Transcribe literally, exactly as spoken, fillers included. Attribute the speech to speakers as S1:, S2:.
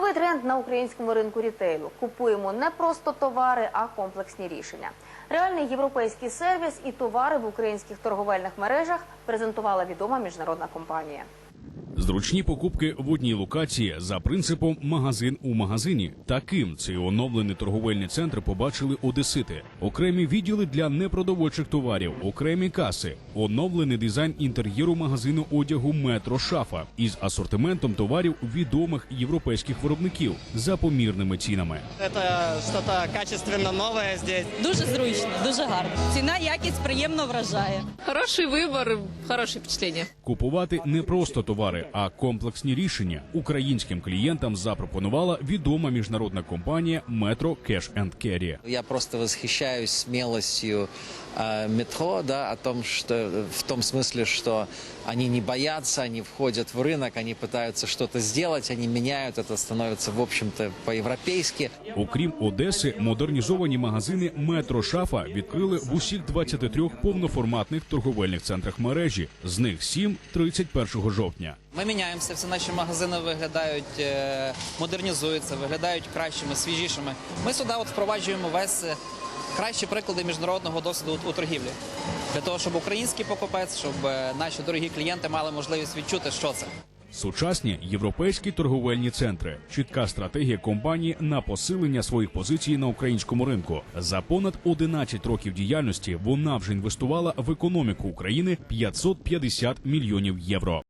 S1: Новий тренд на українському ринку рітейлу. Купуємо не просто товари, а комплексні рішення. Реальний європейський сервіс і товари в українських торговельних мережах презентувала відома міжнародна компанія.
S2: Зручні покупки в одній локації за принципом «магазин у магазині». Таким цей оновлений торговельний центр побачили одесити. Окремі відділи для непродовольчих товарів, окремі каси, оновлений дизайн інтер'єру магазину одягу «Метро Шафа» із асортиментом товарів відомих європейських виробників за помірними цінами.
S3: Це щось качественно нове тут.
S4: Дуже зручно, дуже гарно. Ціна, якість приємно вражає.
S5: Хороший вибір, хороше впечатлення.
S2: Купувати не просто товари, а комплексні рішення українським клієнтам запропонувала відома міжнародна компанія «Метро Cash енд Carry».
S6: Я просто восхищаюсь смелостью э, метро, да, о том, что в том смысле, что они не боятся, они входят в рынок, они пытаются что-то сделать, они меняют, это становится, в общем-то, по-європейськи.
S2: Окрім Одеси, модернізовані магазини «Метро Шафа» відкрили в усіх двадцяти трьох повноформатних торговельних центрах мережі. З них сім – тридцять першого жовтня.
S7: Ми міняємося, всі наші магазини виглядають, модернізуються, виглядають кращими, свіжішими. Ми сюди от впроваджуємо весь кращі приклади міжнародного досвіду у торгівлі. Для того, щоб український покупець, щоб наші дорогі клієнти мали можливість відчути, що це.
S2: Сучасні європейські торговельні центри. Чітка стратегія компанії на посилення своїх позицій на українському ринку. За понад одинадцять років діяльності вона вже інвестувала в економіку України п'ятсот п'ятдесят мільйонів євро.